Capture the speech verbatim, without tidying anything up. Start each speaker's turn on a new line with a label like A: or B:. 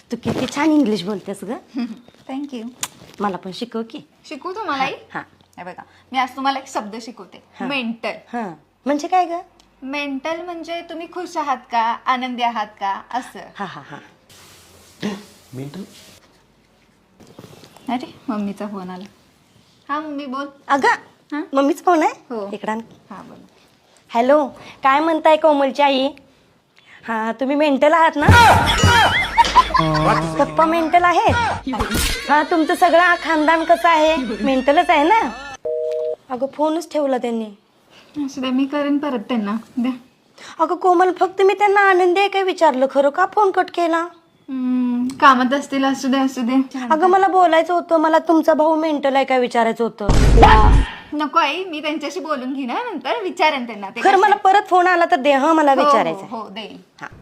A: तू किती छान इंग्लिश बोलतेस ग.
B: थँक्यू.
A: मला पण शिकव की.
B: शिकू तुम्हालाही.
A: हा
B: हे बघा मी आज तुम्हाला एक शब्द शिकवते. मेंटल.
A: हा म्हणजे काय ग?
B: मेंटल म्हणजे तुम्ही खुश आहात का, आनंदी आहात का, असं.
A: हा हा हा.
C: मेंटल.
B: अरे मम्मीचा फोन आला. हा मम्मी बोल.
A: अगं
B: हा?
A: मम्मीच कोण आहे?
B: हो.
A: इकडं आण.
B: हा बोल.
A: हॅलो, काय म्हणताय कोमलची आई? हा तुम्ही मेंटल आहात ना? पप्पा मेंटल आहेत. हा तुमचं सगळं खानदान कसं आहे? मेंटलच आहे ना? अगं फोनच ठेवला त्यांनी.
B: असं द्या, मी करेन परत त्यांना द्या.
A: अगं कोमल, फक्त मी त्यांना आनंदी आहे काय विचारलं, खरं का फोन कट केला?
B: हम्म, कामात असतील, असू दे असू दे.
A: अगं मला बोलायचं होतं, मला तुमचा भाऊ मेंटल आहे काय विचारायचं होतं.
B: नको आई, मी त्यांच्याशी बोलून घेणार नंतर विचारेन त्यांना ते
A: खरं
B: कसे-
A: मला परत फोन आला तर दे हा, मला
B: हो, हो,
A: विचारायचं.
B: हो देईल.
A: हा